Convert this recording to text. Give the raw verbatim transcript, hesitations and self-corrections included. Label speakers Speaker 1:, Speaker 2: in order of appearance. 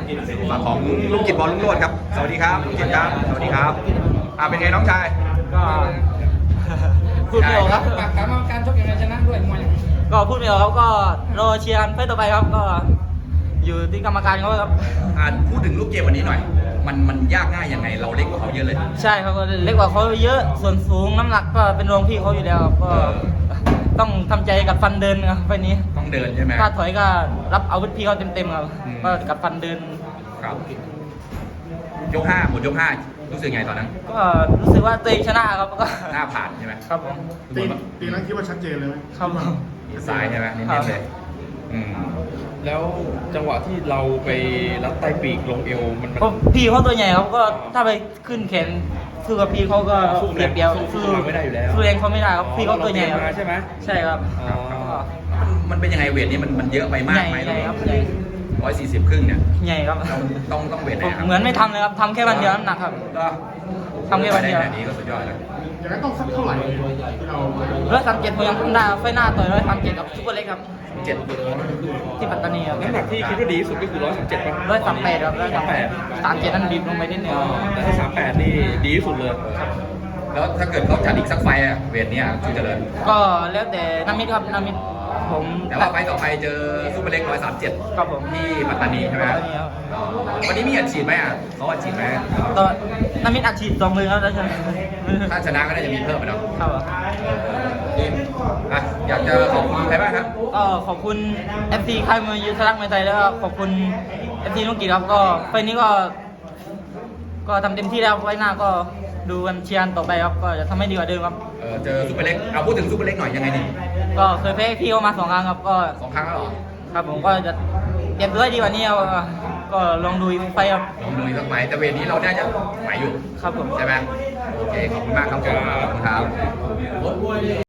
Speaker 1: ฝั่งของลุงกิจบอลลุงโรจน์ครับสวัสดีครับลุงกิจครับสวัสดีครับอ่าเป็นไงน้องชาย
Speaker 2: ก็พูดไม่ออกครับ
Speaker 3: ปากกรรมการชกยังไงชนะด้วยมวย
Speaker 2: ก็พูดไม่ออกครับก็รอเชียร์กันไฟต่อไปครับก็อยู่ที่กรรมการเขาครับ
Speaker 1: อ่าพูดถึงลูกเกมวันนี้หน่อยมันมันยากง่ายยังไงเราเล็กกว่าเขาเยอะเลย
Speaker 2: ใช่ครับก็เล็กกว่าเขาเยอะส่วนสูงน้ำหนักก็เป็นรองพี่เขาอยู่แล้วก็ต้องทำใจกับฟันเดินครับไฟนี้
Speaker 1: ต้องเดินใช่ไหม
Speaker 2: ถ้าถอยก็รับอาวุธพี่เขาเต็มๆครับก็กับฟันเดิน
Speaker 1: ครับยกห้าหมดยกห้ารู้สึกไงตอนนั้น
Speaker 2: ก็รู้สึกว่าตัวเองชนะครับก็
Speaker 1: หน้าผ่านใช่ไหม
Speaker 2: ครับผม
Speaker 4: ตีตีนั้นคิดว่าชัดเจนเลยไหม
Speaker 2: ครับผม
Speaker 1: ซ้ายใช่ไหมนิดๆเลยอืม
Speaker 5: แล้วจังหวะที่เราไปรัดใต้ปีกลงเอวมัน
Speaker 2: ก็พี่เขาตัวใหญ่ครับก็ถ้าไปขึ้นแขนสู้กับพี่เขาก็เปรียบเปรียบ
Speaker 5: สู้เราไม่ได้อยู่แล้ว
Speaker 2: สู้เองเขาไม่ได้ครับพี่เขาตัวใหญ่ครับ
Speaker 5: ใช่ไหม
Speaker 2: ใช่ครับ
Speaker 1: มันเป็นยังไงเวทนี้มันมันเยอะไปมากไหม
Speaker 2: ใหญ่ครับใหญ่
Speaker 1: ร้อยสี่สิบครึ่งเนี่ย
Speaker 2: ใหญ่ครับ
Speaker 1: ต้องต้องเวทไหนครับ
Speaker 2: เหมือนไม่ทำเลยครับทำแค่วันเดียวน้ำหนักครับ
Speaker 1: ก็
Speaker 2: ทำแค่วันเดียว
Speaker 1: นี้ก็สุดยอดแล้ว
Speaker 4: อย่างนั้นต้องสักเท่าไหร่ที่เรา
Speaker 2: ร้อยสามเจ็ดผมยังทำได้ไฟหน้าต่อยร้อยสามเจ็ดกับซุปเปอร์เล็กครับ
Speaker 1: เจ็ด
Speaker 2: ที่ปัตตานีครับ
Speaker 5: น้ำหนักที่คิดว่าดีที่สุดก็คือร้อยสามเจ็ดป่ะ
Speaker 2: ร้อยสามแปดครับร้อยสามแปดสามเจ็ดนั่นบีบลงไปนิดนึง
Speaker 5: แต่ถ้าสามแปดนี่ดีที่สุดเลย
Speaker 1: แล้วถ้าเกิดเขาจัดอีกสักไฟอะเวทเนี้ยชูเจริญ
Speaker 2: ก็แล้วแต่น้ำมิดครับน้ำมิดผม
Speaker 1: แต่ว่าไฟต่อไปเจอซุปเปอร์เล็กร้อยสามเจ็ด
Speaker 2: ครับผม
Speaker 1: ที่ปัตตานีใช่ไหมวันนี้มีอัดฉีดไหมอ่ะเขาอัดฉีดไหม
Speaker 2: ตอนน้ำมิดอัดฉีดสองมือครับแล้วใช่ไหม
Speaker 1: ถ้าชนะก็น่าจะมีเพิ่มไปแล้ว
Speaker 2: ครับ
Speaker 1: อ่ะอยากจะขอบคุณใครบ้างครับ
Speaker 2: ก็ขอบคุณ เอฟ ซี ค่ายมวยยุทธรักษ์มวยไทยแล้วก็ขอบคุณ เอฟ ซี ลุงกิจครับก็ไฟนี้ก็ก็ทำเต็มที่แล้วไฟหน้าก็ดูกันเชียร์ต่อไปครับก็จะทำให้ดีกว่าเดิมครับ
Speaker 1: เออเจอซุปเปอร์เล็กเอาพูดถึงซุปเปอร์เล็กหน่อยยังไงดี
Speaker 2: ก็เคยแพ้พี่เขามาสองครั้งครับก็
Speaker 1: สองครั้งแล้วหรอ
Speaker 2: ครับผมก็จะเตรียมตัวให้ดีกว่านี้ครับก็ลองดูอีกไฟครับ
Speaker 1: ลองดูอีกสักไฟแต่เวทนี้เราน่าจะไหวอยู่
Speaker 2: ครับผม
Speaker 1: ใช่ไหมโอเคขอบคุณมากครับขอบคุณครับ